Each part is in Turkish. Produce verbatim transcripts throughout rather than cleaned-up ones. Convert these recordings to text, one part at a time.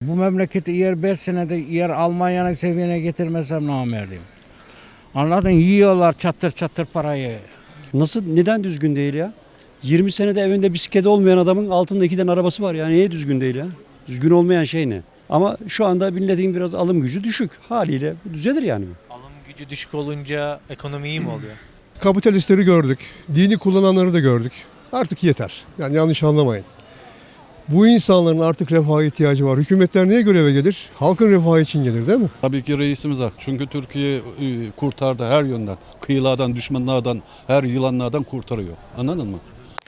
Bu memleketi yer beş senede yer Almanya'nın seviyene getirmesem namerdeyim. Anladın? Yiyorlar çatır çatır parayı. Nasıl, neden düzgün değil ya? yirmi senede evinde bisikleti olmayan adamın altında iki tane arabası var. Yani niye düzgün değil ya? Düzgün olmayan şey ne? Ama şu anda milletin biraz alım gücü düşük. Haliyle bu düzelir yani. Alım gücü düşük olunca ekonomi iyi mi oluyor? Kapitalistleri gördük. Dini kullananları da gördük. Artık yeter. Yani yanlış anlamayın. Bu insanların artık refaha ihtiyacı var. Hükümetler niye göreve gelir? Halkın refahı için gelir değil mi? Tabii ki reisimiz hak. Çünkü Türkiye e, kurtardı her yönden. Kıyılardan, düşmanlardan, her yılanlardan kurtarıyor. Anladın mı?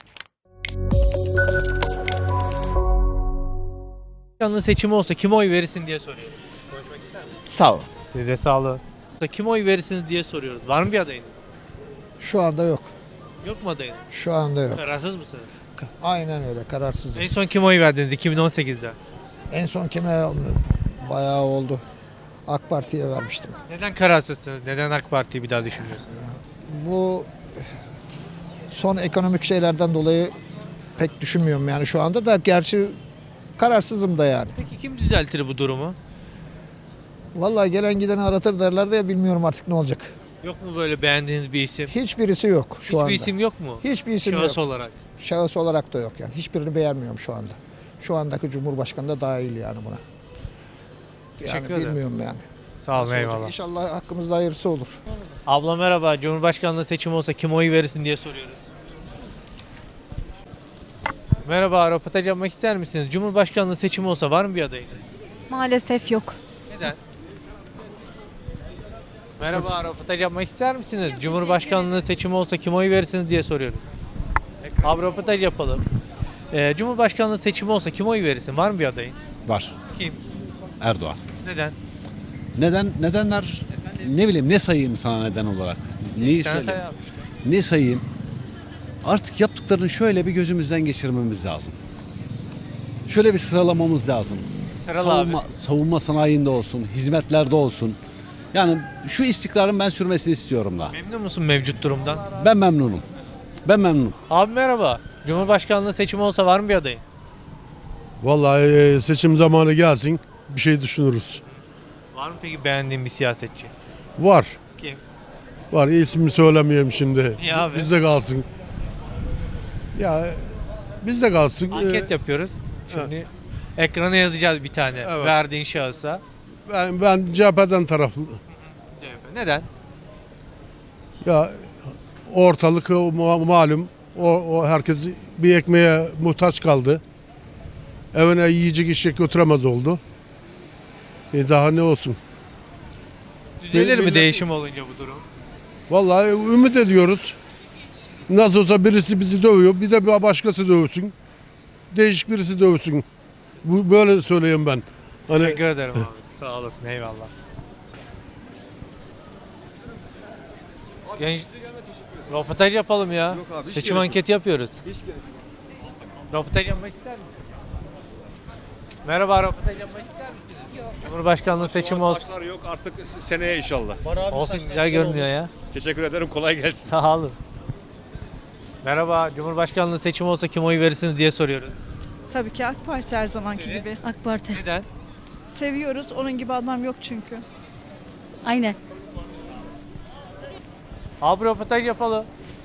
Cumhurbaşkanlığı seçimi olsa kime oy verirsin diye soruyoruz. Konuşmak ister misin? Sağ ol. Size sağ olun. Kime oy verirsiniz diye soruyoruz. Var mı bir adayınız? Şu anda yok. Yok mu adayınız? Şu anda yok. Kararsız mısınız? Aynen öyle, kararsızım. En son kime oy verdiniz iki bin on sekizde? En son kime bayağı oldu. AK Parti'ye vermiştim. Neden kararsızsınız? Neden AK Parti'yi bir daha düşünmüyorsunuz? Bu son ekonomik şeylerden dolayı pek düşünmüyorum yani şu anda da, gerçi kararsızım da yani. Peki kim düzeltir bu durumu? Vallahi gelen gideni aratır derler de ya, bilmiyorum artık ne olacak. Yok mu böyle beğendiğiniz bir isim? Hiçbirisi yok şu Hiçbir anda. isim yok mu? Hiçbir isim Şahıs yok. olarak. Şahıs olarak da yok yani. Hiçbirini beğenmiyorum şu anda. Şu andaki Cumhurbaşkanı da dahil yani buna. Yani Teşekkür ederim. bilmiyorum yani. Sağ olun, eyvallah. İnşallah hakkımızda hayırlısı olur. Abla merhaba. Cumhurbaşkanlığı seçimi olsa kime oy verirsin diye soruyoruz. Merhaba, röportaj yapmak ister misiniz? Cumhurbaşkanlığı seçimi olsa var mı bir adayınız? Maalesef yok. Neden? Merhaba, röportaj yapmak ister misiniz? Cumhurbaşkanlığı seçimi olsa kime oy verirsiniz diye soruyorum. Abi röportaj yapalım. Ee, Cumhurbaşkanlığı seçimi olsa kime oy verirsin? Var mı bir adayın? Var. Kim? Erdoğan. Neden? Neden? Nedenler ne bileyim, ne sayayım sana neden olarak? Neyi Sen söyleyeyim? say abi. Ne sayayım? Artık yaptıklarını şöyle bir gözümüzden geçirmemiz lazım. Şöyle bir sıralamamız lazım. Sırala savunma, abi. savunma sanayinde olsun, hizmetlerde olsun. Yani şu istikrarın ben sürmesini istiyorum da. Memnun musun mevcut durumdan? Ben memnunum. Ben memnunum. Abi merhaba. Cumhurbaşkanlığı seçimi olsa var mı bir adayın? Vallahi e, seçim zamanı gelsin bir şey düşünürüz. Var mı peki beğendiğin bir siyasetçi? Var. Kim? Var. İsmini söylemeyeyim şimdi. Niye abi? Bizde kalsın. Ya bizde kalsın. Anket Ee, yapıyoruz. Şimdi ekrana yazacağız bir tane. Evet. Verdiğin şahısa. Ben, ben C H P'den taraflı. C H P. Neden? Ya ortalık o ma- malum. O, o herkes bir ekmeğe muhtaç kaldı. Evine yiyecek içecek götüremez oldu. E daha ne olsun? Düzelir mi millet- değişim olunca bu durum? Vallahi ümit ediyoruz. Nasıl olsa birisi bizi dövüyor. Bir de bir başkası dövsün. Değişik birisi dövsün. Bu böyle söyleyeyim ben. Hani Teşekkür ederim abi. Sağ olasın. Eyvallah. Genç... Röportaj yapalım ya. Seçim anketi yapıyoruz. Röportaj yapmak ister misin? Merhaba, röportaj yapmak ister misiniz? Yok. Cumhurbaşkanlığı seçimi olsun. Saçlar yok artık seneye inşallah. Olsun, güzel görünüyor ya. Teşekkür ederim, kolay gelsin. Sağ olun. Merhaba, Cumhurbaşkanlığı seçimi olsa kim oy verirsiniz diye soruyoruz. Tabii ki AK Parti her zamanki Evet. gibi. AK Parti. Neden? Seviyoruz. Onun gibi adam yok çünkü. Aynen. Abi röportaj yapalım.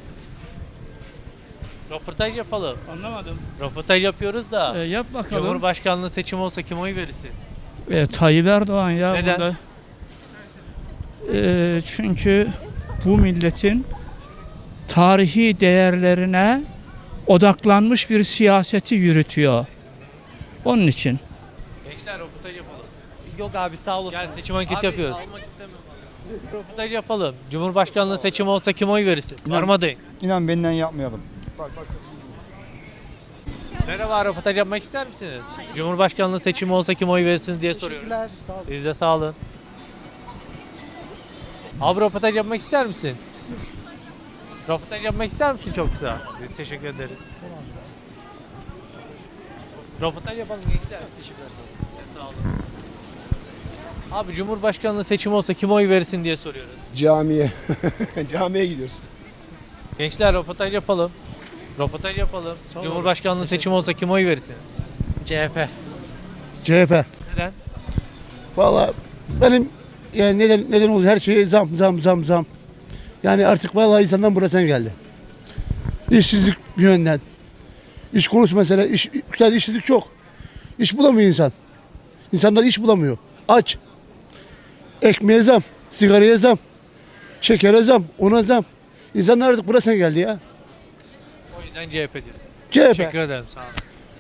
Röportaj yapalım. Anlamadım. Röportaj yapıyoruz da. E, yap bakalım. Cumhurbaşkanlığı seçimi olsa kim oy verirsin? E, Tayyip Erdoğan ya Neden? burada. E, çünkü bu milletin tarihi değerlerine odaklanmış bir siyaseti yürütüyor. Onun için. Gençler röportaj yapalım. Yok abi, sağ olasın. Gel seçim anketi yapıyoruz. Röportaj yapalım. Cumhurbaşkanlığı seçimi olsa kim oy verirsin? Var mı adayın? İnan benden yapmayalım. Merhaba, röportaj yapmak ister misiniz? Cumhurbaşkanlığı seçimi olsa kim oy verirsiniz diye soruyoruz. Sağ olun. Siz de sağ olun. Abi röportaj yapmak ister misin? Röportaj yapmak ister misin çok kısa? Biz teşekkür ederiz. Röportaj yapalım gençler. Teşekkürler. Sağ olun. Abi Cumhurbaşkanlığı seçimi olsa kim oy verirsin diye soruyoruz. Camiye. Camiye gidiyoruz. Gençler röportaj yapalım. Röportaj yapalım. Cumhurbaşkanlığı seçimi olsa kim oy verirsin? C H P. C H P. Neden? Valla benim yani neden neden oldu her şeye zam zam zam zam. Yani artık vallahi insandan burasına geldi. İşsizlik bir yönden. İş konusu mesela iş, güzel işsizlik çok. İş bulamıyor insan. İnsanlar iş bulamıyor. Aç. Ekmeğe zam, sigaraya zam, şekere zam, ona zam. İnsanlar artık burasına geldi ya. O yüzden C H P diyorsun. C H P. Teşekkür ederim. Sağ olun.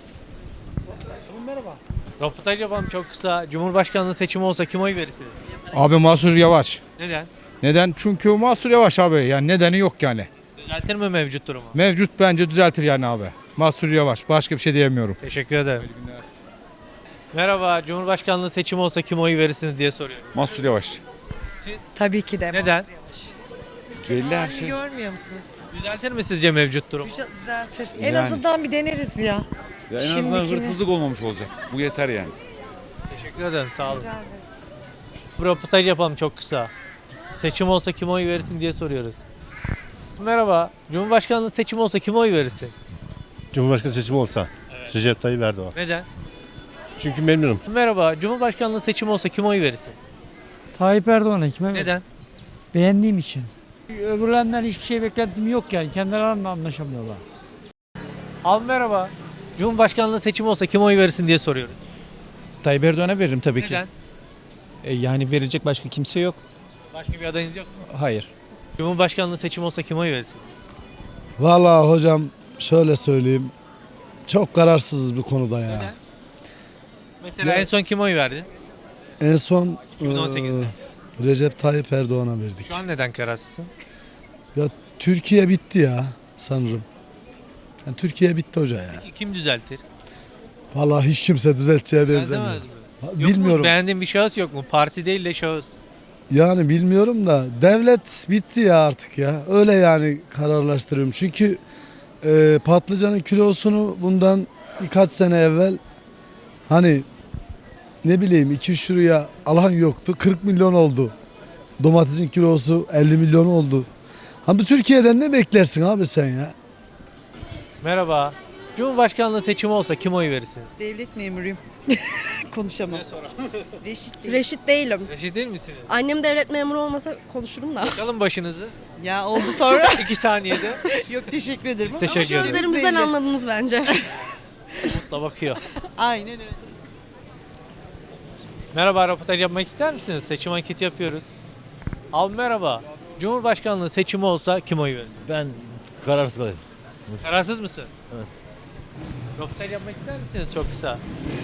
Merhaba. Röportaj yapalım çok kısa. Cumhurbaşkanlığı seçimi olsa kim oy verirsiniz? Abi Mansur Yavaş. Neden? Neden? Çünkü Mansur Yavaş abi. Yani nedeni yok yani. Düzeltir mi mevcut durumu? Mevcut bence düzeltir yani abi. Mansur Yavaş. Başka bir şey diyemiyorum. Teşekkür ederim. Merhaba. Cumhurbaşkanlığı seçimi olsa kim oy verirsiniz diye soruyorum. Mansur Yavaş. Tabii ki de. Neden? Belli her şey. Görmüyor musunuz? Düzeltir mi sizce mevcut durumu? Düzeltir. En Yani. azından bir deneriz ya. Ya en azından Şimdikini. hırsızlık olmamış olacak. Bu yeter yani. Teşekkür ederim. Sağ olun. Röportaj yapalım çok kısa. Seçim olsa kim oy verirsin diye soruyoruz. Merhaba. Cumhurbaşkanlığı seçimi olsa kim oy verirsin? Cumhurbaşkanı seçimi olsa Evet. Recep Tayyip Erdoğan. Neden? Çünkü memnunum. Merhaba. Cumhurbaşkanlığı seçimi olsa kim oy verirsin? Tayyip Erdoğan'a kime Neden? Beğendiğim için. Öbürlerinden hiçbir şey beklentim yok yani. Kendilerine anlaşamıyorlar. Abi merhaba. Cumhurbaşkanlığı seçimi olsa kim oy verirsin diye soruyoruz. Tayyip Erdoğan'a veririm tabii Neden? E, yani verecek başka kimse yok. Başka bir adayınız yok mu? Hayır. Cumhurbaşkanlığı seçimi olsa kim oy verirsin? Vallahi hocam şöyle söyleyeyim. Çok kararsızız bu konuda ya. Neden? Mesela Ya- en son kim oy verdin? En son iki bin on sekizde. e, Recep Tayyip Erdoğan'a verdik. Şu an neden kararsızsın? Türkiye bitti ya sanırım. Yani Türkiye bitti hoca ya. Peki kim düzeltir? Vallahi hiç kimse düzelteceğe benzemiyor. Benzemez mi? Ha, Yok Bilmiyorum. mu? Beğendiğin bir şahıs yok mu? Parti değil de şahıs. Yani bilmiyorum da devlet bitti ya artık ya. Öyle yani kararlaştırıyorum. Çünkü e, patlıcanın kilosunu bundan birkaç sene evvel hani ne bileyim iki üç liraya alan yoktu. kırk milyon oldu. Domatesin kilosu elli milyon oldu. Ha bu Türkiye'den ne beklersin abi sen ya? Merhaba. Cumhurbaşkanlığı seçimi olsa kim oy verirsiniz? Devlet memuruyum. Konuşamam. Reşit değil. Reşit değilim. Reşit değil misiniz? Annem devlet memuru olmasa konuşurum da. Bakalım başınızı. Ya oldu sonra. İki saniyede. Yok teşekkür ederim. Biz teşekkür ederiz. Gözlerimizden anladınız bence. Mutla bakıyor. Aynen öyle. Merhaba, röportaj yapmak ister misiniz? Seçim anketi yapıyoruz. Abi merhaba. Cumhurbaşkanlığı seçimi olsa kim oy verir? Ben kararsız kalayım. Kararsız mısın? Evet. Röportaj yapmak ister misiniz çok kısa?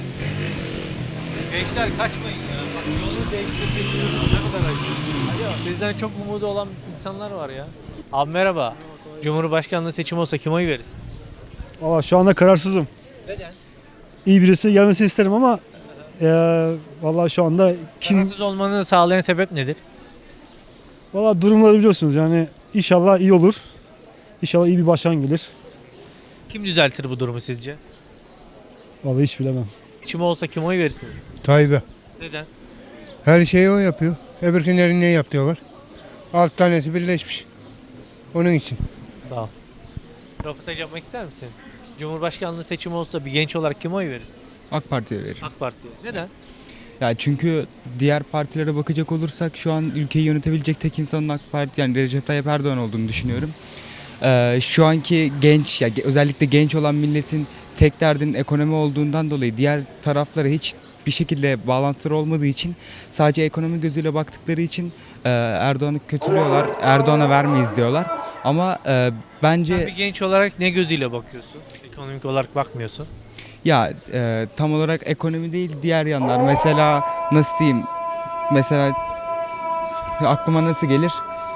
Gençler kaçmayın ya. Bak yolu değiştireceksiniz. Ne kadar acı. Alo, bizden çok umudu olan insanlar var ya. Abi merhaba. Cumhurbaşkanlığı seçimi olsa kim oy verir? Valla şu anda kararsızım. Neden? İyi birisi gelmesini isterim ama e, valla şu anda Kararsız olmanı sağlayan sebep nedir? valla durumları biliyorsunuz yani inşallah iyi olur. İnşallah iyi bir başkan gelir. Kim düzeltir bu durumu sizce? Vallahi hiç bilemem. Seçimi olsa kim oy verirsiniz? Tayyip'e. Neden? Her şeyi o yapıyor. Öbürkünlerin ne yapıyorlar? Alt tanesi birleşmiş. Onun için. Sağ ol. Röportaj yapmak ister misin? Cumhurbaşkanlığı seçimi olsa bir genç olarak kim oy verir? AK Parti'ye veririm. AK Parti'ye. Neden? Ya çünkü diğer partilere bakacak olursak şu an ülkeyi yönetebilecek tek insanın AK Parti yani Recep Tayyip Erdoğan olduğunu düşünüyorum. Ee, şu anki genç ya özellikle genç olan milletin tek derdinin ekonomi olduğundan dolayı diğer taraflara hiç bir şekilde bağlantıları olmadığı için sadece ekonomi gözüyle baktıkları için e, Erdoğan'ı kötülüyorlar. Erdoğan'a vermeyiz diyorlar. Ama e, bence Sen bir genç olarak ne gözüyle bakıyorsun? Ekonomik olarak bakmıyorsun. ya e, tam olarak ekonomi değil diğer yanlar. Mesela nasıl diyeyim? Mesela aklıma nasıl gelir?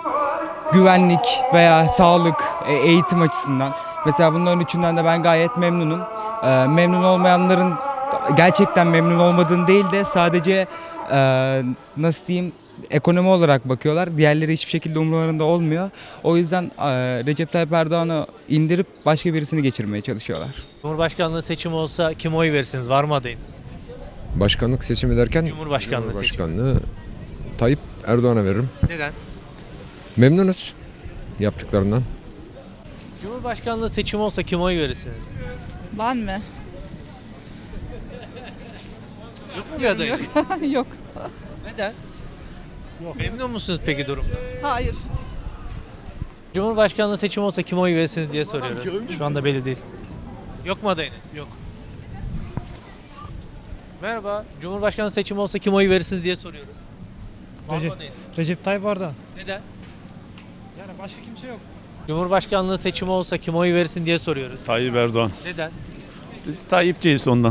Güvenlik veya sağlık, e, eğitim açısından. Mesela bunların üçünden de ben gayet memnunum. E, memnun olmayanların gerçekten memnun olmadığını değil de sadece e, nasıl diyeyim ekonomi olarak bakıyorlar. Diğerleri hiçbir şekilde umurlarında olmuyor. O yüzden e, Recep Tayyip Erdoğan'ı indirip başka birisini geçirmeye çalışıyorlar. Cumhurbaşkanlığı seçimi olsa kim oy verirsiniz? Var mı adayınız? Başkanlık seçimi derken Cumhurbaşkanlığı seçimi. Cumhurbaşkanlığı Tayyip Erdoğan'a veririm. Neden? Memnunuz yaptıklarından. Cumhurbaşkanlığı seçimi olsa kim oy verirsiniz? Ben mi? mu bir adayınız? Yok. Neden? Memnun musunuz peki durumda? Hayır. Cumhurbaşkanlığı seçimi olsa kime oy verirsiniz diye soruyoruz. Şu anda belli değil. Yok mu adayınız? Yok. Merhaba. Cumhurbaşkanlığı seçimi olsa kime oy verirsiniz diye soruyoruz. Var mı Recep, adayınız? Recep Tayyip Erdoğan. Neden? Yani başka kimse yok. Cumhurbaşkanlığı seçimi olsa kime oy verirsin diye soruyoruz. Tayyip Erdoğan. Neden? Biz Tayyipçiyiz ondan.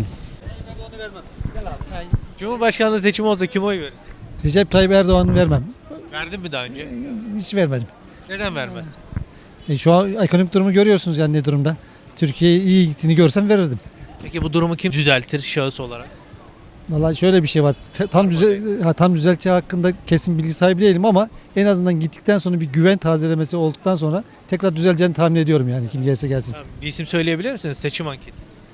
Cumhurbaşkanlığı seçimi olsa kime oy verirsin? Recep Tayyip Erdoğan'ı vermem. Verdin mi daha önce? Hiç vermedim. Neden vermez? E, şu an ekonomik durumu görüyorsunuz yani ne durumda. Türkiye iyi gittiğini görsem verirdim. Peki bu durumu kim düzeltir şahıs olarak? Vallahi şöyle bir şey var. Te- Tam düzel ha, tam düzelteceği hakkında kesin bilgi sahibi değilim ama en azından gittikten sonra bir güven tazelemesi olduktan sonra tekrar düzeleceğini tahmin ediyorum yani kim gelse gelsin. Tamam, bir isim söyleyebilir misiniz? Seçim anketi.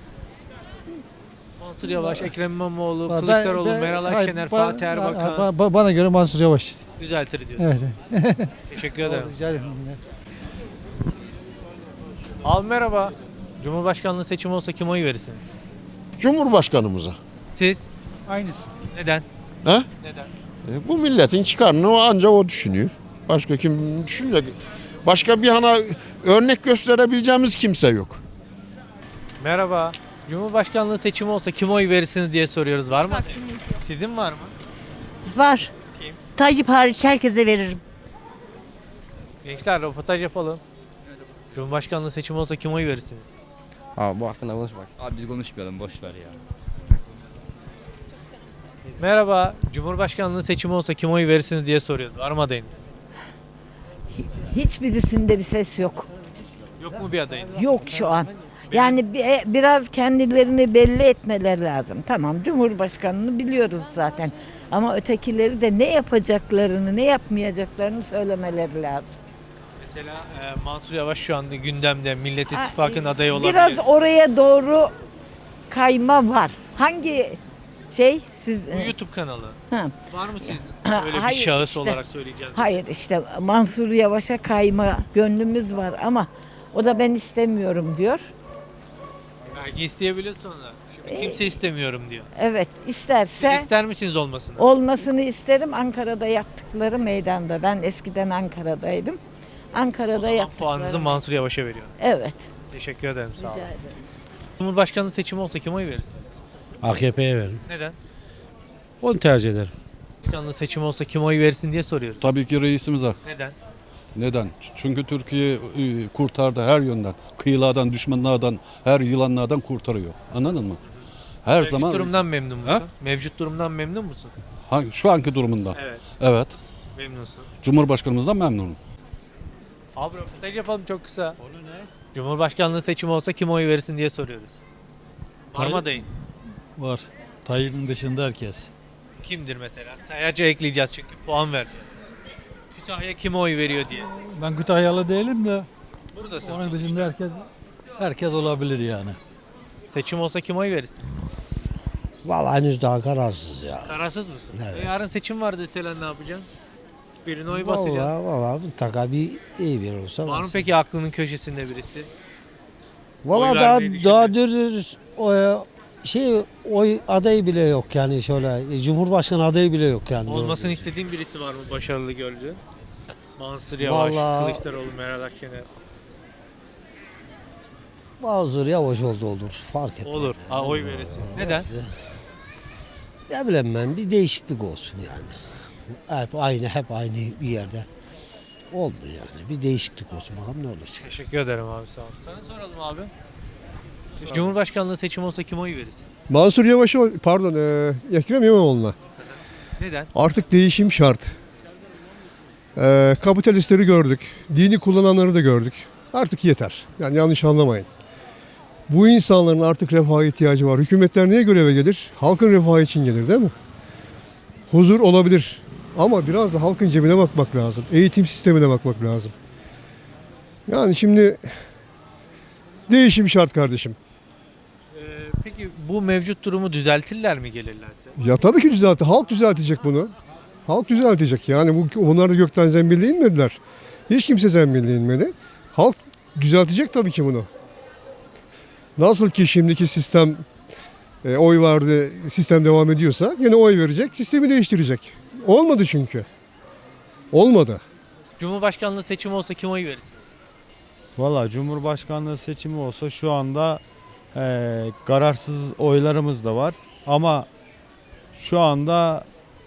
Mansur Yavaş, Ekrem İmamoğlu, Ben- Kılıçdaroğlu, ben- Meral hayır, Akşener, ba- Fatih ba- Erbakan ba- ba- Bana göre Mansur Yavaş. düzeltir diyorsunuz. Evet. Teşekkür ederim. Rica ederim. Abi merhaba. Cumhurbaşkanlığı seçimi olsa kime oy verirsiniz? Cumhurbaşkanımıza. Siz? Aynısı. Neden? He? Neden? E, bu milletin çıkarını ancak o düşünüyor. Başka kim düşünecek? Başka bir hana örnek gösterebileceğimiz kimse yok. Merhaba. Cumhurbaşkanlığı seçimi olsa kime oy verirsiniz diye soruyoruz. Var mı? Sizin var mı? Var. Kim? Tayyip hariç herkese veririm. Gençler röportaj yapalım. Cumhurbaşkanlığı seçimi olsa kime oy verirsiniz? Abi bu hakkında konuşmak. Abi biz konuşmayalım boş ver ya. Merhaba. Cumhurbaşkanlığı seçimi olsa kime oy verirsiniz diye soruyoruz. Var mı adayınız? Hiçbirisinde bir ses yok. Yok mu bir adayınız? Yok şu an. Yani bi- biraz kendilerini belli etmeleri lazım. Tamam Cumhurbaşkanını biliyoruz zaten. Ama ötekileri de ne yapacaklarını, ne yapmayacaklarını söylemeleri lazım. Mesela e, Mansur Yavaş şu anda gündemde Millet Ha, İttifakı'nın adayı olabilir. Biraz oraya doğru kayma var. Hangi şey siz... Bu YouTube kanalı. Ha. Var mı sizin Ha, öyle bir hayır, şahıs işte. olarak söyleyeceğiniz? Hayır işte Mansur Yavaş'a kayma gönlümüz var ama o da ben istemiyorum diyor. Belki isteyebilir sonra. Şimdi kimse istemiyorum diyor. Evet Siz isterse ister misiniz olmasını? olmasını isterim. Ankara'da yaptıkları meydanda. Ben eskiden Ankara'daydım. Ankara'da Ama yaptıkları. puanınızı Mansur Yavaş'a veriyor. Evet. Teşekkür ederim sağ olun. Rica ederim. Cumhurbaşkanlığı seçimi olsa kime oy verirsiniz? A K P'ye veririm. Neden? Onu tercih ederim. Cumhurbaşkanlığı seçimi olsa kime oy verirsin diye soruyoruz. Tabii ki reisimize. Neden? Neden? Çünkü Türkiye e, kurtardı her yönden. Kıyılardan, düşmanlardan, her yılanlardan kurtarıyor. Anladın mı? Her Mevcut zaman durumdan memnun musun? Ha? Mevcut durumdan memnun musun? Hangi- şu anki durumunda. Evet. Evet. Memnunsun. Cumhurbaşkanımızdan memnunum. Abi röportaj yapalım çok kısa. Konu ne? Cumhurbaşkanlığı seçimi olsa kime oy verirsin diye soruyoruz. Var mı adayın? Var. Tayyip'in dışında herkes. Kimdir mesela? Sayaca ekleyeceğiz çünkü puan verdi. Kütahya kime oy veriyor diye. Ben Kütahyalı değilim de Buradasın. onun sonuçta. dışında herkes herkes olabilir yani. Seçim olsa kime oy verirsin? Vallahi henüz daha kararsız ya. Kararsız mısın? Evet. E yarın seçim var deseler ne yapacaksın? Birine oy basacaksın. Vallahi vallahi mutlaka bir iyi bir olsa. Var mı peki aklının köşesinde birisi? Vallahi Oy daha vermeyi daha dürüst o şey oy adayı bile yok yani şöyle Cumhurbaşkanı adayı bile yok yani. Olmasını istediğin birisi var mı başarılı gördüğün? Mansur Yavaş, Vallahi- Kılıçdaroğlu, Meral Akşener. Mansur Yavaş oldu olur fark etmez. Olur. Ha, oy verirsin. Neden? Ne bileyim ben bir değişiklik olsun yani. Hep aynı hep aynı bir yerde olmuyor yani. Bir değişiklik olsun bakalım ne olacak. Teşekkür ederim abi sağ ol. Sana soralım abi. Cumhurbaşkanlığı seçimi olsa kime oy verirsin? Mansur Yavaş'a pardon e, Ekrem İmamoğlu'na. Neden? Artık değişim şart. E, kapitalistleri gördük. Dini kullananları da gördük. Artık yeter. Yani yanlış anlamayın. Bu insanların artık refaha ihtiyacı var. Hükümetler niye göreve gelir? Halkın refahı için gelir değil mi? Huzur olabilir. Ama biraz da halkın cebine bakmak lazım. Eğitim sistemine bakmak lazım. Yani şimdi değişim şart kardeşim. Ee, peki bu mevcut durumu düzeltirler mi gelirlerse? Ya tabii ki düzeltti. Halk düzeltecek bunu. Halk düzeltecek. Yani bu onlar da gökten zembille inmediler. Hiç kimse zembille inmedi. Halk düzeltecek tabii ki bunu. Nasıl ki şimdiki sistem e, oy vardı, sistem devam ediyorsa yine oy verecek, sistemi değiştirecek. Olmadı çünkü. Olmadı. Cumhurbaşkanlığı seçimi olsa kime oy verirsiniz? Valla Cumhurbaşkanlığı seçimi olsa şu anda e, kararsız oylarımız da var. Ama şu anda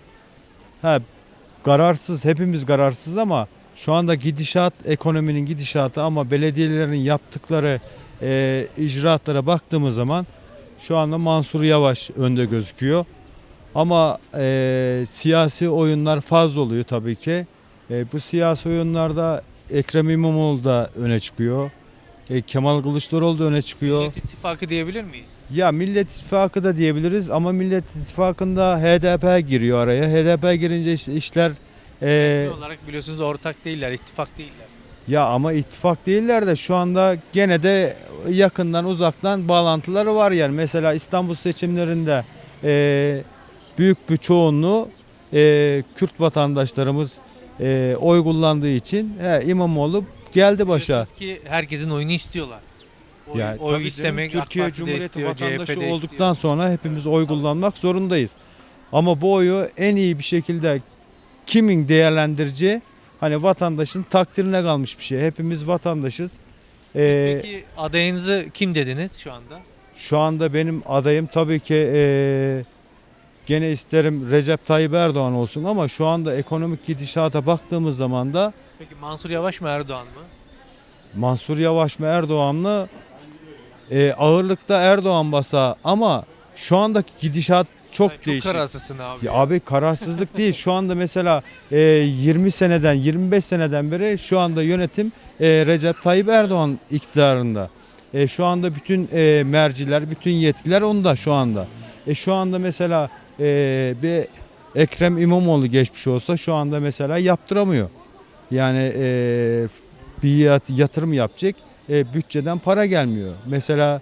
he, kararsız, hepimiz kararsız ama şu anda gidişat, ekonominin gidişatı ama belediyelerin yaptıkları e, icraatlara baktığımız zaman şu anda Mansur Yavaş önde gözüküyor. Ama e, siyasi oyunlar fazla oluyor tabii ki. E, bu siyasi oyunlarda Ekrem İmamoğlu da öne çıkıyor. E, Kemal Kılıçdaroğlu da öne çıkıyor. Millet İttifakı diyebilir miyiz? Ya Millet İttifakı da diyebiliriz ama Millet İttifakı'nda H D P giriyor araya. H D P girince iş- işler e, Genel olarak biliyorsunuz ortak değiller, ittifak değiller. ya ama ittifak değiller de şu anda gene de yakından uzaktan bağlantıları var yani. Mesela İstanbul seçimlerinde e, büyük bir çoğunluğu e, Kürt vatandaşlarımız e, oy kullandığı için he, İmamoğlu geldi başa. Biliyorsunuz ki herkesin oyunu istiyorlar. Oy, Yani oy tabii canım, istemek AK Türkiye Parti de Cumhuriyeti istiyor, C H P de vatandaşı istiyor. olduktan sonra hepimiz oy kullanmak zorundayız. Ama bu oyu en iyi bir şekilde kimin değerlendireceği hani vatandaşın takdirine kalmış bir şey. Hepimiz vatandaşız. Ee, Peki adayınızı kim dediniz şu anda? Şu anda benim adayım tabii ki ee, gene isterim Recep Tayyip Erdoğan olsun ama şu anda ekonomik gidişata baktığımız zaman da Peki Mansur Yavaş mı Erdoğan mı? Mansur Yavaş mı Erdoğan mı? Ee, ağırlıkta Erdoğan basa ama şu andaki gidişat çok Çok değişik. kararsızsın abi. Ya abi kararsızlık değil. Şu anda mesela e, yirmi seneden yirmi beş seneden beri şu anda yönetim e, Recep Tayyip Erdoğan iktidarında. E, şu anda bütün e, merciler, bütün yetkiler onda şu anda. E, şu anda mesela e, bir Ekrem İmamoğlu geçmiş olsa şu anda mesela yaptıramıyor. Yani e, bir yat- yatırım yapacak, e, bütçeden para gelmiyor. Mesela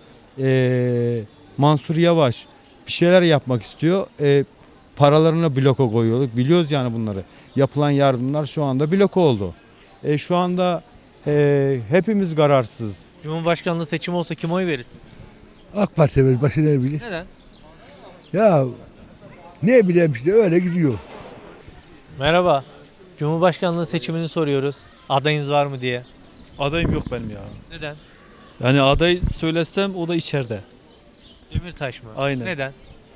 e, Mansur Yavaş bir şeyler yapmak istiyor. E, paralarını bloka koyuyorduk. Biliyoruz yani bunları. Yapılan yardımlar şu anda bloka oldu. E, şu anda e, hepimiz kararsız. Cumhurbaşkanlığı seçimi olsa kime oy verirsin? AK Parti verir, başka ne bilir? Neden? Ya ne bileyim işte öyle gidiyor. Merhaba. Cumhurbaşkanlığı seçimini soruyoruz. Adayınız var mı diye. Adayım yok benim ya. Neden? Yani aday söylesem o da içeride. Demirtaş mı? Aynen. Neden?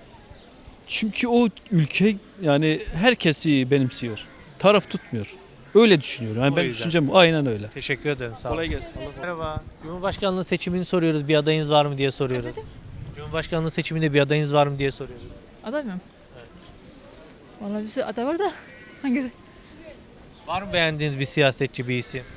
Çünkü o ülke yani herkesi benimsiyor. Taraf tutmuyor. Öyle düşünüyorum. Yani O ben yüzden. düşüncem bu. Aynen öyle. Teşekkür ederim. Sağ olun. Kolay gelsin. Merhaba. Cumhurbaşkanlığı seçimini soruyoruz. Bir adayınız var mı diye soruyoruz. Cumhurbaşkanlığı seçiminde bir adayınız var mı diye soruyoruz. Aday mı? Vallahi bir sürü aday var da hangisi? Var mı beğendiğiniz bir siyasetçi, bir isim?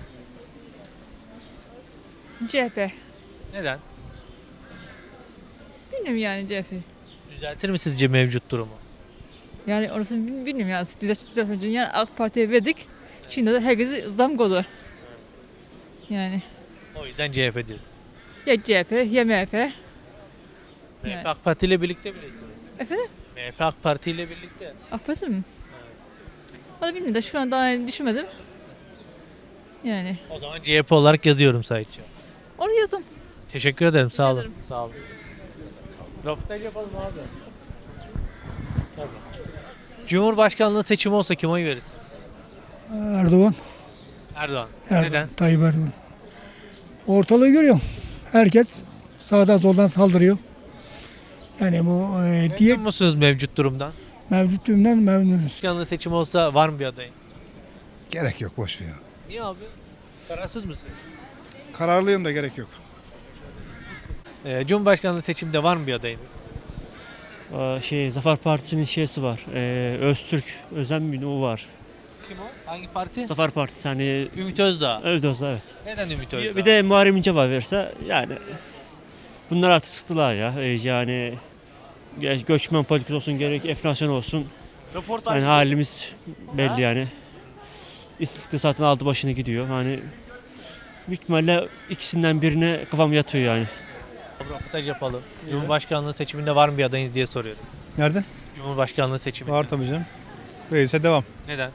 C H P. Neden? Bilmiyorum yani C H P. Düzeltir mi sizce mevcut durumu? Yani orasını bil- bilmiyorum yani. Düzelt, düzeltmeyince yani AK Parti'ye verdik. Şimdi de herkesi zam koydu. Yani O yüzden C H P diyorsun. ya C H P ya M H P. M H P Yani. AK Parti ile birlikte bilirsiniz. Efendim? M H P AK Parti ile birlikte. AK Parti mi? Valla bilmiyorum da şu an daha yani düşünmedim. Yani O zaman C H P olarak yazıyorum sadece. onu yazın. Teşekkür ederim. Sağ olun. ederim. Sağ olun. Röportaj yapalım ağzı. Cumhurbaşkanlığı seçimi olsa kime oy verirsin? Erdoğan. Erdoğan. Erdoğan. Neden? Tayyip Erdoğan. Ortalığı görüyorum. Herkes sağdan soldan saldırıyor. Yani bu e, diye Memnun musunuz mevcut durumdan? mevcut durumdan memnunuz. Cumhurbaşkanlığı seçimi olsa var mı bir adayın? Gerek yok, boş ver ya. Niye abi? Kararsız mısın? Kararlıyım da gerek yok. Ee, Cumhurbaşkanlığı seçiminde var mı bir adayınız? Şey Zafer Partisi'nin şeysi var. Ee, Öztürk Özen mi o var. Kim o? Hangi parti? Zafer Partisi hani Ümit Özdağ. Özdağ evet. Neden Ümit Özdağ? Bir, bir de Muharrem İnce var verse yani bunlar artık sıktılar ya. Ee, yani ge- göçmen politikası olsun gerek enflasyon olsun. Yani halimiz belli yani. İstiklal zaten aldı başını gidiyor. Hani büyük ihtimalle ikisinden birine kafam yatıyor yani. Röportaj yapalım. Cumhurbaşkanlığı seçiminde var mı bir adayınız diye soruyorum. Nerede? Cumhurbaşkanlığı seçiminde. Var tabii canım. Reis'e devam. Neden?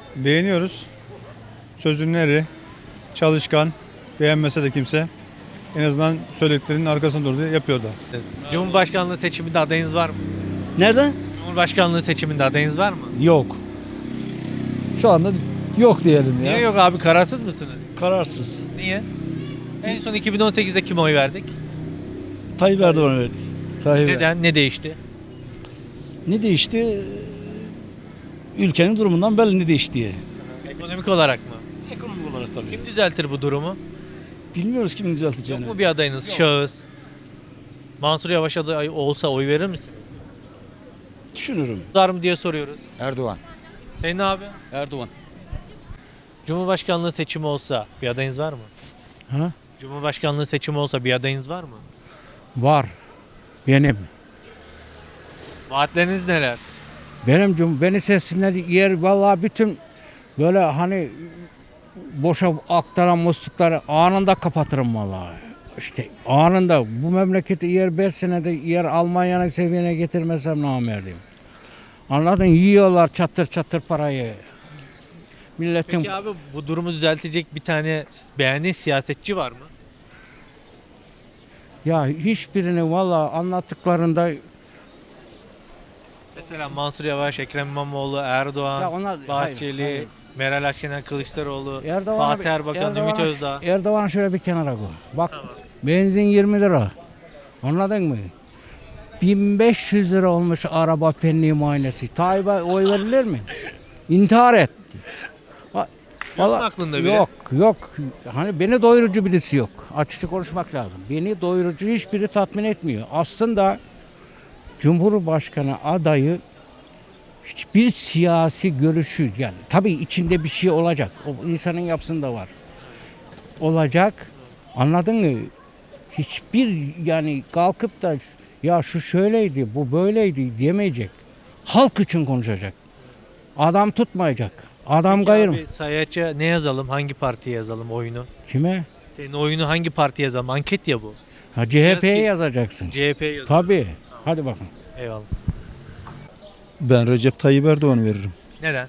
Beğeniyoruz. Sözünün eri, çalışkan, beğenmese de kimse. en azından söylediklerinin arkasında durdu, yapıyordu. Cumhurbaşkanlığı seçiminde adayınız var mı? Nerede? Cumhurbaşkanlığı seçiminde adayınız var mı? Yok. Şu anda yok diyelim ya. Niye yok abi, kararsız mısınız? Kararsız. Niye? En son iki bin on sekizde kime oy verdik? Tayyip Erdoğan'a verdik. Tayyip Neden? Ne değişti? Ne değişti? Ülkenin durumundan belli ne değiştiği. Ekonomik olarak mı? Ekonomik olarak tabii. Kim düzeltir bu durumu? Bilmiyoruz kimin düzelteceğini. Yok mu bir adayınız, şahıs? Mansur Yavaş aday olsa oy verir misiniz? Düşünürüm. Var mı diye soruyoruz. Erdoğan. Senin abi? Erdoğan. Cumhurbaşkanlığı seçimi olsa bir adayınız var mı? Ha? Cumhurbaşkanlığı seçimi olsa bir adayınız var mı? Var. Benim. Vaatleriniz neler? Benim cum beni seçsinler yer vallahi bütün böyle hani boşa aktaran muslukları anında kapatırım vallahi. İşte anında bu memleketi yer beş senede yer Almanya'nın seviyene getirmesem namerdim. Anladın, yiyorlar çatır çatır parayı. Milletin Peki abi, bu durumu düzeltecek bir tane beğendiğin siyasetçi var mı? ya hiçbirini vallahi anlattıklarında Mesela Mansur Yavaş, Ekrem İmamoğlu, Erdoğan, Ya onlar- Bahçeli, hayır, hayır. Meral Akşener, Kılıçdaroğlu, Erdoğan'a Fatih bir- Erbakan, Ümit Erdoğan'a- Özdağ. Erdoğan şöyle bir kenara koy. Bak benzin yirmi lira. Anladın mı? bin beş yüz lira olmuş araba fenli muayenesi. Tayyip'e oy verilir mi? İntihar etti. Va- Yok mu vallahi- aklında biri? Yok, yok. Hani beni doyurucu birisi yok. Açıkça konuşmak lazım. Beni doyurucu hiçbiri tatmin etmiyor. Aslında Cumhurbaşkanı adayı hiçbir siyasi görüşü, yani tabii içinde bir şey olacak. O insanın yapısında var. Olacak. Anladın mı? Hiçbir yani kalkıp da ya şu şöyleydi, bu böyleydi diyemeyecek. Halk için konuşacak. Adam tutmayacak. Adam Peki gayır mı? abi, Sayaç'a ne yazalım? Hangi partiye yazalım oyunu? Kime? Senin oyunu hangi partiye yazalım? Anket ya bu. Ha C H P'ye Biraz ki- yazacaksın. C H P'ye yazalım. Tabii. Hadi bakın. Eyvallah. Ben Recep Tayyip Erdoğan veririm. Neden?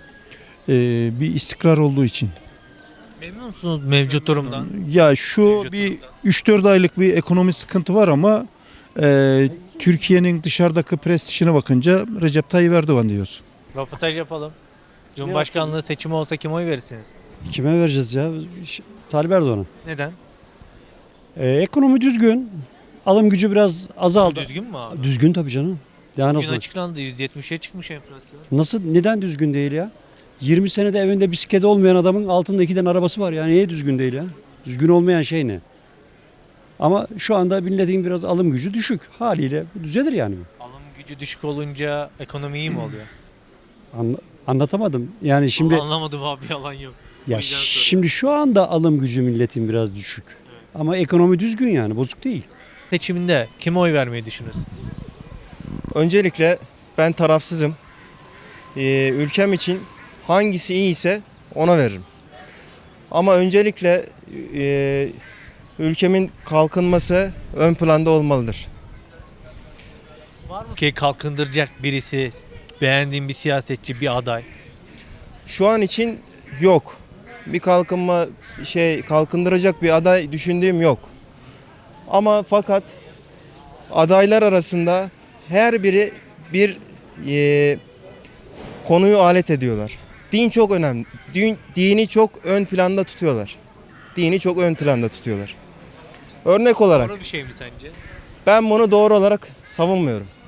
Ee, bir istikrar olduğu için. Memnun musunuz mevcut durumdan? Ya şu Mevcut bir durumdan. üç dört aylık bir ekonomi sıkıntı var ama e, Türkiye'nin dışarıdaki prestijine bakınca Recep Tayyip Erdoğan diyoruz. Röportaj yapalım. Cumhurbaşkanlığı seçimi olsa kime oy verirsiniz? Kime vereceğiz ya? Ş- Tayyip Erdoğan'a. Neden? Ee, ekonomi düzgün. Alım gücü biraz azaldı. Düzgün mü abi? Düzgün tabii canım. Yani Bugün nasıl? açıklandı, yüzde yetmişe çıkmış enflasyon. Nasıl? Neden düzgün değil ya? yirmi senede evinde bisikleti olmayan adamın altında iki tane arabası var. Yani niye düzgün değil ya? Düzgün olmayan şey ne? Ama şu anda milletin biraz alım gücü düşük. Haliyle bu düzelir yani. Alım gücü düşük olunca ekonomi iyi mi oluyor? Anla- anlatamadım. Yani şimdi Vallahi anlamadım abi, yalan yok. O ya yüzden soruyorum. şimdi şu anda alım gücü milletin biraz düşük. Ama ekonomi düzgün yani bozuk değil. Seçiminde kime oy vermeyi düşünürsün? Öncelikle ben tarafsızım. Ee, ülkem için hangisi iyiyse ona veririm. Ama öncelikle e, ülkemin kalkınması ön planda olmalıdır. Var mı ki kalkındıracak birisi, beğendiğin bir siyasetçi, bir aday? Şu an için yok. Bir kalkınma şey kalkındıracak bir aday düşündüğüm yok. Ama fakat adaylar arasında her biri bir e, konuyu alet ediyorlar. Din çok önemli. Din, dini çok ön planda tutuyorlar. Dini çok ön planda tutuyorlar. Örnek olarak Doğru bir şey mi sence? ben bunu doğru olarak savunmuyorum.